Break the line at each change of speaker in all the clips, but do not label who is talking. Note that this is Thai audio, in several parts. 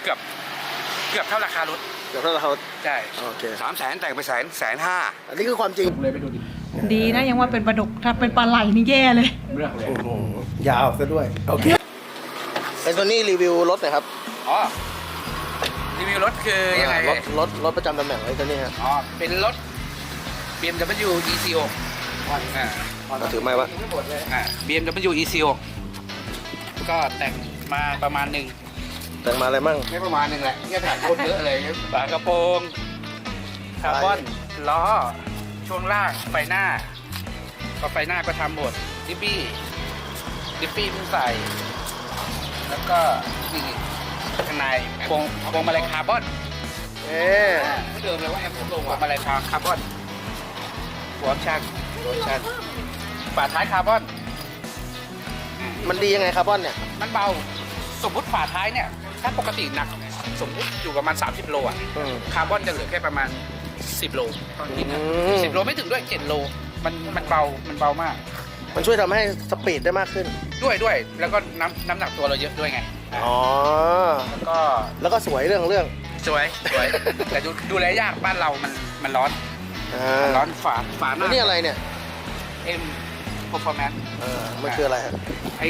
กือบเท่าราคารถ
เดี๋ยวเรา
ใช่
โอเค
300,000แต่งไป150,000
อันนี้คือความจริง
เลยไปดูดิ
ดีนะยังว่าเป็นปลาดุกถ้าเป็นปลาไหลนี่แย่เลย
เรื่องเลย
โอ้โหยาวซะด้วยโอเคไอ้ตัวนี้รีวิวรถหน่อยครับ
อ๋อรีวิวรถคือยังไง
รถประจำตำแหน่งไอ้ตัวนี้ฮะ
อ๋อเป็นรถ BMW E46
ถือไม้วะ
BMW E46 ก็แต่งมาประมาณหนึ่ง
แต่งมาอะไรมั่ง
ไม่ประมาณหนึ่งแหละเนี่ยถ่ายคนเยอะเลยฝากระโปรงคาร์บอนล้อช่วงล่างไฟหน้าก็ไฟหน้าก็ทำหมดดิฟฟี่เพิ่งใส่แล้วก็นี่ข้างในพวงมาลัยคาร์บอนเดิมเลยว่าแอมผมลงพวงมาลัยคาร์บอนหัวชักฝาท้ายคาร์บอน
มันดียังไงคาร์บอนเนี่ย
มันเบาสมมติฝาท้ายเนี่ยถ้าปกติหนักสมมติอยู่ประมาณ30 โลอ่ะคาร์บอนจะเหลือแค่ประมาณ10 โลตอนนี้นะ10 โลไม่ถึงด้วย7 โลมันเบามาก
มันช่วยทำให้สปีดได้มากขึ้น
ด้วยแล้วก็น้ำหนักตัวเราเยอะด้วยไง
อ๋อ
แล้วก็
สวยเรื่อง
สวยแต่ดูแลยากบ้านเรามันร้อนร้อนฝาห
แล้
น้าว
นี่อะไรเนี่ย
M Performance
มันคืออะไรฮะ
ไอ้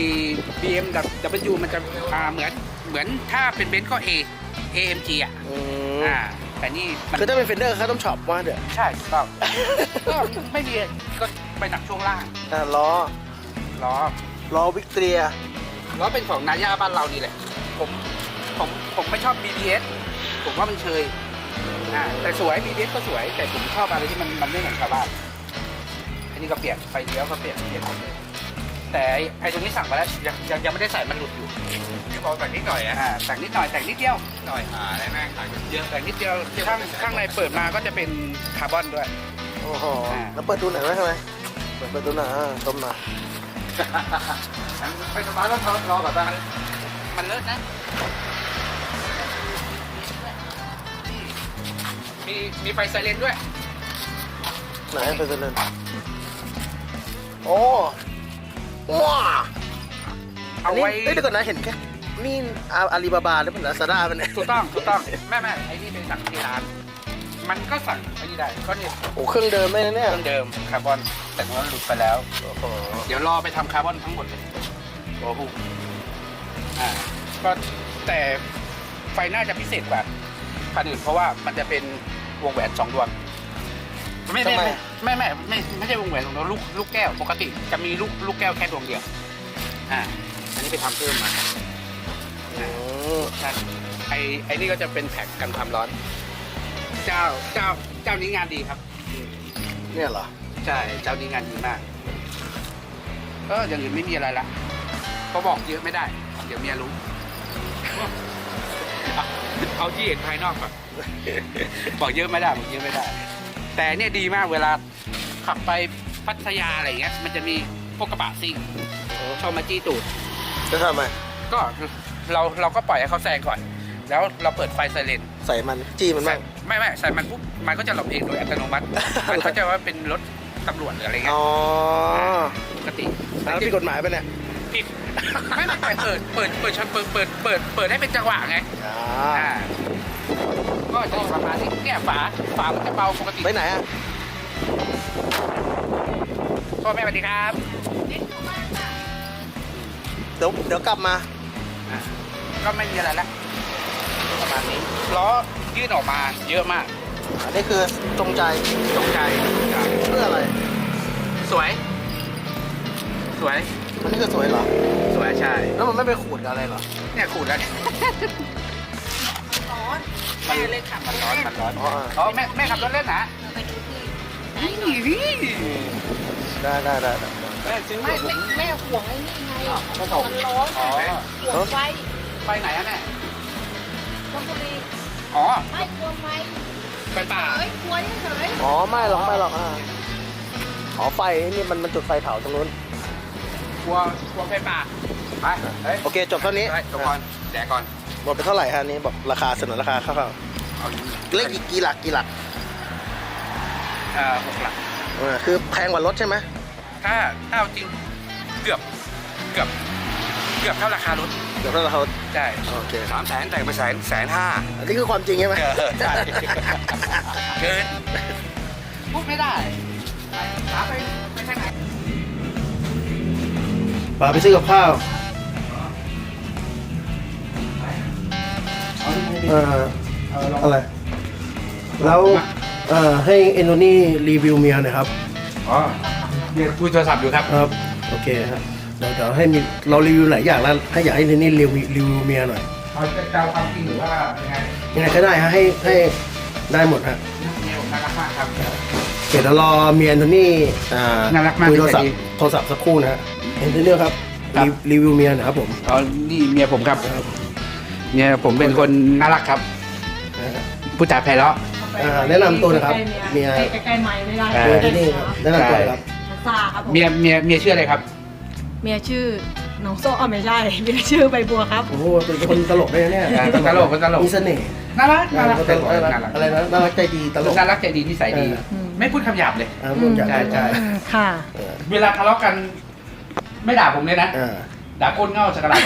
BMW มันจะเหมือนถ้าเป็นเบนซ์ก็ AMG อ่ะแต่นี่
คือถ้าเป็นเฟนเดอร์เขาต้องช็อปว่าเดี๋ยว
ใช่ถูกต้อง ก็ไม่มีก็ไปหนักช่วงล่าง
ล้อ
ล้อ
วิกเตรีย
ล้อเป็นของนาย่าบ้านเรานี่แหละผมไม่ชอบ BBS ผมว่ามันเชยแต่สวย BBS ก็สวยแต่ผมชอบอะไรที่มันไม่เหมือนชาวบ้านอันนี้ก็เปลี่ยนไฟเลี้ยวก็เปลี่ยนหมดเลยแต่ไอ้ตรงนี้สั่งมาแล้วยังไม่ได้ใส่มันหลุดอยู่ที่บอกแต่งนิดหน่อยแต่งนิดหน่อยแต่งนิดเดียวหน่อยอะไรแม่งแต่งเยอะแต่งนิดเดียวข้างในเปิดมาก็จะเป็นคาร์บอนด้วย
โอ้โหแล้วเปิดดูหน่อยไหมข้างในเปิดดูหน่อยชมหน่อย
ไปสบายแล้วรอก่อนบ้างมันเลิศนะมีไฟไซเรนด้วย
ไหนไปเล่นโอ้ว้า
เอาไว้
เดี๋ยวก่อนนะเห็นแค่นี่อาลีบาบาหรือเป็นลาซาด้าเป็นไง
ถูกต้องแม่ไอ้นี่เป็นสั่งที่ร้านมันก็สั่งไอ้นี่ได้ก็เนี่ย
โอ้เครื่องเดิมไม่นะเนี่ย
เครื่องเดิมคาร์บอนแต่มันหลุดไปแล้ว
โอ้โห
เดี๋ยวรอไปทำคาร์บอนทั้งหมดเลยโอ้โหก็แต่ไฟหน้าจะพิเศษกว่าคันอื่นเพราะว่ามันจะเป็นวงแหวน2 ดวงไม่ใช่วงแหวนของเราลูกแก้วปกติจะมีลูกแก้วแค่ดวงเดียวอันนี้ไปทำเพิ่มมาไอ้นี่ก็จะเป็นแพ็กกันความร้อนเจ้านี้งานดีครับ
เนี่ยเหรอ
ใช่เจ้านี้งานดีมากก็อย่างอื่นไม่มีอะไรละก็บอกเยอะไม่ได้เดี๋ยวเมียรู้ เอาที่เห็นภายนอกก่อน บอกเยอะไม่ได้แต่เนี่ยดีมากเวลาขับไปพัทยาอะไรเงี้ยมันจะมีพวกกระบะซิ่งชอบมาจี้ตูด
จะทำไม
ก็เราก็ปล่อยให้เขาแซงก่อน แล้วเราเปิดไฟไซเรน
ใส่มันจี้มันบ้าง
ไม่ใส่มันปุ๊บมันก็จะหลบเองโดยอัตโนมัติ มันเขาใจว่าเป็นรถตำรวจหรืออะไรเงี้ย
อ๋อ
ปกติ
แล้วผิดกฎหมายปะเนี่ย
ผิดไม่เปิดให้เป็นจังหวะไงก็จะประมาณนี้เนี่ยฝามันจะเบาปกติ
ไปไหนอ่ะ
พ่อแม่สวัสดีครับ
เดี๋ยวกลับมา
ก็ไม่มีอะไรละประมาณนี้ล้อยื่นออกมาเยอะมาก
อันนี้คือจงใจ เพื่ออะไร
สวย
อันนี้คือสวยเหรอ
สวยใช่
แล้วมันไม่ไปขูดกับอะไรเหรอ
เนี่ยขูดแล้ว
ร้อนแม่เลยขับ
มันร้อนอ๋อแม่ขับรถเล่นนะ
ไปดูที่
ได้
แม่ซื้อ
แม่ห่วงไอ้นี่ไงมันร้อนห่วงไฟ
ไปไหนอะแม่
ชลบุรี
อ๋อ
ไม่กลัวไฟ
ไปป่า
กลัวเฉย
อ๋อไม่หรอกอ๋อไฟนี่มันจุดไฟเผาตรงนู้น
กลัวไปป่าไปเฮ้ย
โอเคจบเท่านี้
จบก่อนแดกก่อน
หมดไปเท่าไหร่ฮะนี้บอกราคาเสนอราคาคร่าว
เอา
ๆเลขกี่หลัก
6 หลัก
คือแพงกว่ารถใช่ไหม
ถ้าเอาจริงเกือบเกือบเท่าราคารถ
เดี๋ยวเรา
ใช่
โอเค
300,000แต่งไป150,000
อันนี้คือความจริงใช่ไหม
ใช่เกินพูดไม่ได้ถามไปทางไหน
ป่าไปซื้อกับข้าวอะไรแล้วให้เอนโทนี่รีวิวเมียหน่อยครับ
อ๋อเดี๋ยวคุยโทรศัพท์อยู่ครับ
ครับโอเคครับเดี๋ยวให้มีเรารีวิวหลายอย่างแล้วให้อยากให้เอนโทนี่รีวิวเมียหน่อย
เอาจะความจริงหรือว่ายังไง
ยังไงก็ได้ฮะให้ได้หมดฮะ
เนี่ยผมน่ารักมากครับ
เดี๋ยวรอเมียเอนโทนี่
น่ารักมาก
คุยโทรศัพ
นิ
ท์
สัยดี
โทรศัพท์สักครู่นะฮะเอนโทนี่ครับ
ครับ
รีวิวเมียหน่อยครับผม
อ๋อนี่เมียผมครับเมียผมเป็นคนน่ารักครับ
นะฮะ
ผู้จ่าไพเราะ
แนะนำตัวนะครับเมีย
ใกล้ๆไม้ไม่ได้
เอ
เมี
อ
ยที่นี่ครับแนะนำตัวครับ
ซาครับผม
เมียชื่ออะไรครับ
เมียชื่อน้องโซ่อ๋อไม่ใช่เมียชื่อใบบัวครับ
โอ้โหเป็นคนตลกได้นะเนี่ย
คนตลกคนตลก
มีเสน่ห์
น่ารักน่ารัก
ตลกน่ารักอะไรนะน่ารักใจดีตลก
น่ารักใจดีนิสัยดี
เออ
ไม่พูดคำหยาบเลย
ผมอยาก
ใช่ใช่
ค่ะ
เวลาทะเลาะกัน ไม่ด่าผมเลยนะ
อ่า
ด่าคนเง่าสกระดาษ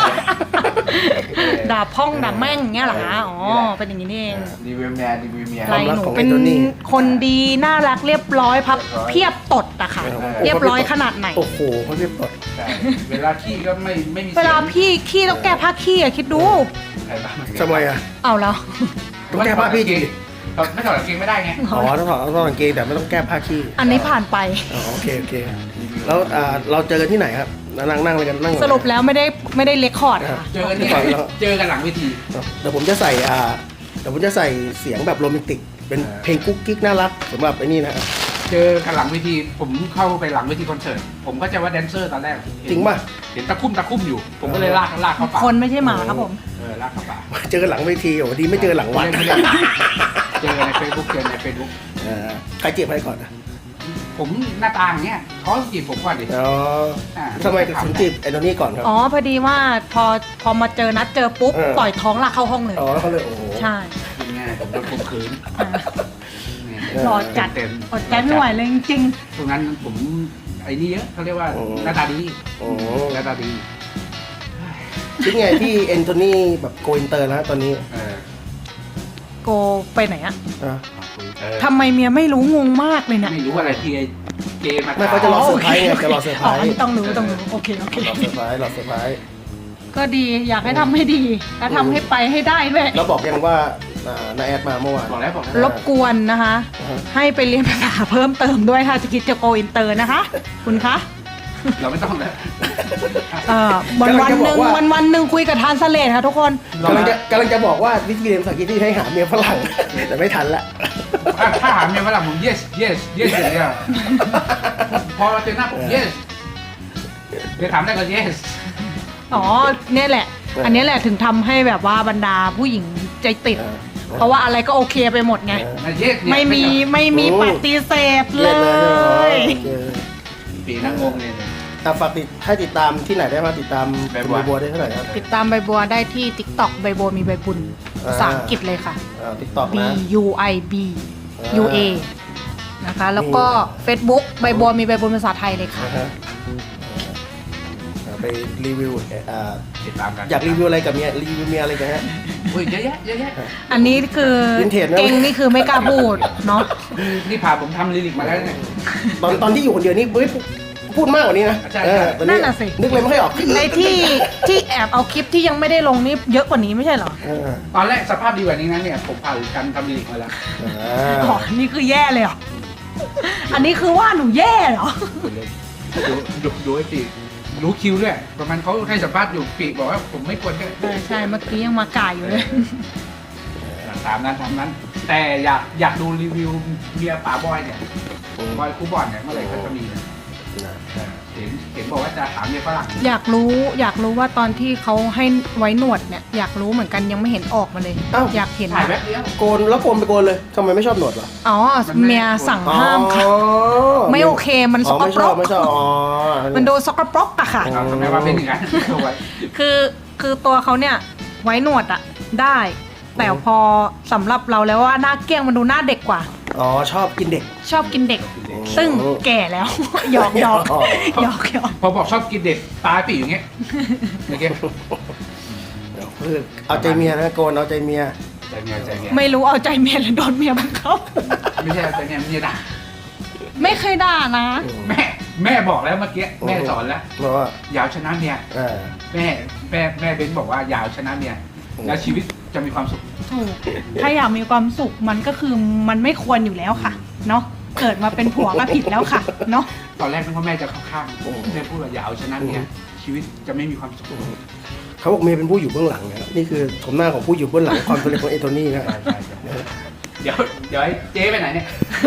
ด่าพ่องด่าแม่งอย่างเงี้ยเหรอคะอ๋อเป็นอย่างนี้นี่เอง
รีวิวเมียรีวิวเมีย
อะไรหนูเป็นคนดีน่ารักเรียบร้อยพับเพียบตดอะค่ะ เรียบร้อยขนาดไหน
โอ้โหเขาเรียบร้อย
ใช่เวลาขี้ก็ไม่มี
เวลาพี่ขี้ต้องแก้ผ้าขี้อะคิดดู
ใครบ้าง
ทำไมอ่ะ
เอาแล้ว
ต้องแก้ผ้าพี่จริง
ไม่ถอดกางเกงไม่ได้ไง
อ๋อต้องถอดกางเกงแต่ไม่ต้องแก้ผ้าขี้
อันนี้ผ่านไป
อ๋อโอเคแล้วเราเจอกันที่ไหนครับนั่งอะไรกันนั่ง
สรุปแล้วไม่ได้เลคคอร์ดค่ะ
เจอกันเนี่ยเจอกันหลังเวที
เดี๋ยวผมจะใส่เสียงแบบโรแมนติกเป็นเพลงกุ๊กกิ๊กน่ารักสำหรับไอ้นี่นะ
เจอกันหลังเวทีผมเข้าไปหลังเวทีคอนเสิร์ตผมก็จะว่าแดนเซอร์ตอนแรก
จริงป่ะ
เห็นตะคุ่มอยู่ ผมก็เลยลากเข้าป่า
คนไม่ใช่หมาครับผม
ลากเข้าป่า
เจอกันหลังเวทีโอ้ดีไม่เจอหลังวัด
ไม่ได้เจอในเฟซบุ๊ก
ใครจีบใครก่อนนะ
ผมหน้าตาอย่างเงี้ยเขาจีบผมก่อนดิ
อ๋อทำไมถึงจีบไอ้ตัวนี้ก่อนครับ
อ๋อพอดีว่าพอมาเจอนัดเจอปุ๊บต่อยท้องลากเข้าห้องเลย
อ๋อแล้วเขาเลยโอ้โห
ใช่
เป็นไงผมโดนข่มขืน
หล่อจัด
เต็ม
อดใจไม่ไหวเลยจริง
ตรงนั้นผมไอ้นี่เยอะเขาเรียกว่าหน้าตาดี
โอ้
หน้าตาดี
คิดไงที่เอนโทนี่แบบโกอินเตอร์แล้วตอนนี้
ๆโกไปไหนอะ
อ่ะ
ทำไมเมียไม่รู้งงมากเลยเนี่ย
ไม่รู้อะไรที่เจมา
ไม่เขาจะรอเซอร์ไพรส์ไงจะรอเซอร์ไพร
อ๋อ
ส์
อันนี้ต้องรู้โอเค
รอเซอร์ไพรส์รอเซอร์ไพรส์
ก็ดีอยากให้ทำให้ดีแล้วทำให้ไปให้ได้ด้วย
แล้วบอกยังว่านาแอดมาเมื่อวาน
บอกแล้ว
รบกวนนะคะ ให้ไปเรียนภาษาเพิ่มเติมด้วยถ้าจะคิดจะโกอินเตอร์นะคะ คุณคะ
เราไม่ต้องแล้ว
วันหนึ่งคุยกับทานสเลดค่ะทุกคน
กำลังจะบอกว่าวิธีเรียนภาษาอังกฤษที่ให้หาเมียฝรั่งแต่ไม่ทันละ
ถ้าหาเมียฝรั่งผม yes อย่างเงี้ยพอเจอหน้าผม yes เดี๋ยวถามได้ก็ yes
อ๋อเนี่ยแหละ อันนี้แหละถึงทำให้แบบว่าบรรดาผู้หญิงใจติด เพราะว่าอะไรก็โอเคไปหมดไง
yes
ไม่มีปฏิเสธเลย
ปีนั่งงงเลย
ฝากให้ติดตามที่ไหนได้บ้างติดตาม
ใบบัว
บัวได้เท่าไหร่ครับ
ติดตามใบบัวได้ที่ TikTok ใบบัวมีใบบุญภาษาอังกฤษเลยค่ะ
ติ๊กต็อก
B
นะ
U I B U A นะคะ แล้วก็ Facebook ใบบัวมีใบบุญภาษาไทยเลยค่ะ
นะฮะไปรีวิว
ติดตามกัน
อยากรีวิวอะไรกับเมียรีวิวเมียอะไรกันฮะ
อุ้ยเยอะแยะ
อันนี้คือ
Vintage นะ
เก่งนี่คือไม่กล้าพูดเนาะ
นี่พาผมทำลิลิกมาแล้วเนี่ย
ตอนที่อยู่คนเดียวนี่เฮ้ยพูดมากกว่านี้นะ
ใช่
ตอ
นั่นน่ะสิ
นึกเลยไม่ค่อยออก
ไอ้ที่แอบเอาคลิปที่ยังไม่ได้ลงนี่เยอะกว่านี้ไม่ใช่เหรอ
ตอนแรกสภาพดีกว่านี้นะเนี่ยผมผ่านการทำลิลิกมาแล้ว
อ๋อ นี่คือแย่เลยเหรอ อันนี้คือว่าหนูแย่เหรอ
ดูไอ้ปีรู้คิวด้วยประมาณเขาให้สัมภาษณ์อยู่ปีบอกว่าผมไม่ควรแค่
ใช่ เมื่อกี้ยังมาก่ายอยู่เลย
ตามนั้น แต่อยากดูรีวิวเมียป๋าบอยเนี่ยบอยคูบอลเนี่ยเมื่อไหร่เขาจะมีเห็นบอกว่าจะถามเมียฝรั่ง
อยากรู้ว่าตอนที่เขาให้ไว้หนวดเนี่ยอยากรู้เหมือนกันยังไม่เห็นออกมาเลย อยากเห็น
ถ่ายแป๊บเดียว
โกนแล้วโกนไปโกนเลยทำไมไม่ชอบหนวดวะ
อ๋อเมียสั่งห้ามค่ะ ไม่โอเคมันสกปรก
ไม่ชอบอ๋อ
มันดูสกปรกอะค่ะ
ทำไมว่าเป็นอย่างนั้น
คือตัวเขาเนี่ยไว้หนวดอะได้ แต่พอสำหรับเราแล้วว่าหน้าเกี้ยงมันดูหน้าเด็กกว่า
อ๋อชอบกินเด็ก
ชอบกินเด็ก ซึ่งแก่แล้ว หยอกหยอก
อ๋อ
หยอกหยอก
พอบอกชอบกินเด็กตายปีอย่างเงี้ยเมื่อกี้
คือเอาใจเมียนะโกนเอาใจเมีย
ใจเมียใจเมีย
ไม่รู้เอาใจเมียหรือโดนเมียบังคับ
ไม่ใช่ใจเมียเมียด่า
ไม่เคยด่านะ
แม่บอกแล้วเมื่อกี้แม่สอนแล้ว
เพราะว่า
อยาวชนะเมีย
เออ
แม่เบนบอกว่าอยาวชนะเมียแล้วชีวิตจะมีความสุข
ถูก ถ้าอยากมีความสุขมันก็คือมันไม่ควรอยู่แล้วค่ะ เนาะ เกิดมาเป็นผัวก็ผิดแล้วค่ะ เนาะ
ตอนแรกนึกว่าแม่จะเข้าข้างแม่พูดว่าอย่าเอาชนะเมียชีวิตจะไม่มีความสุข
เขาบอกเมียเป็นผู้อยู่เบื้องหลังนะครับนี่คือชมหน้าของผู้อยู่เบื้องหลังความสำเร็จของเอโทนี่นะ
เดี๋ยวให้เจ๊ไปไหนเนี่ย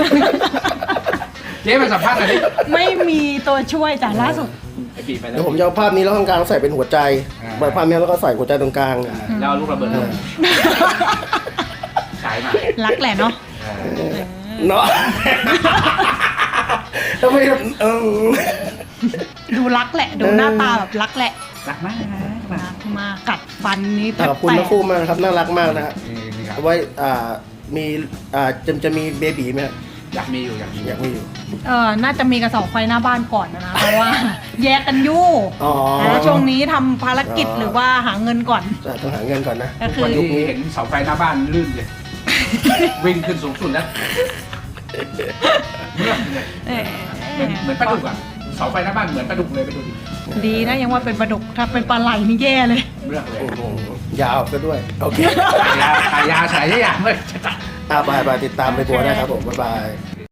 เจ๊ไปสัมภาษณ์หน่อยดิ
ไม่มีตัวช่วยจ้ะล่าสุด
ไอปีไปแล้
เดี๋
ว
ยวผมจะเอาภาพนี้แล้วตรงกลางใส่เป็นหัวใจเปิดภาพนี้แล้วก็ใส่หัวใจตรงกลาง
แล้วเอาลูกระเบิดลงฉายมา
รักแหละเนาะ
เนาะทำไมเออ
ดูรักแหละ ดูหน้าตาแบบรักแหละ
รักมาก
รักมากกัดฟันนี้แทบ
ขอบคุณ
แต
ทั้
ก
งคู่มากนะครับน่ารักมากนะฮะ
นี่ครับ
เอาไว้มีจะมีเบบีไหมฮะ
อยากมีอยู่
อยากมีอยู่
น่าจะมีกระสอบไฟหน้าบ้านก่อนนะเพราะว่า แยกกันอยู่
อ๋อ
ช่วงนี้ทำภารกิจหรือว่าหาเงินก่อน
ต้องหาเงินก่อนนะ
ก็คือ
วันนี้เห็นเสาไฟหน้าบ้านลื่นเลย วิ่งขึ้นสูงสุดแล้วเหมือนปลาดุกอ่ะเสาไฟหน้าบ้านเหมือนปลาดุกเลยไปดูดิ
ดีนะยังว่าเป็นปลาดุกถ้าเป็นปลาไหลนี่แย่เลย
เรื่องเลย
โอ้โหยาวซะด้วยโอเค
ขายยาฉายยาเลย
ไปติดตามไปบัวได้ครับผมบ๊ายบาย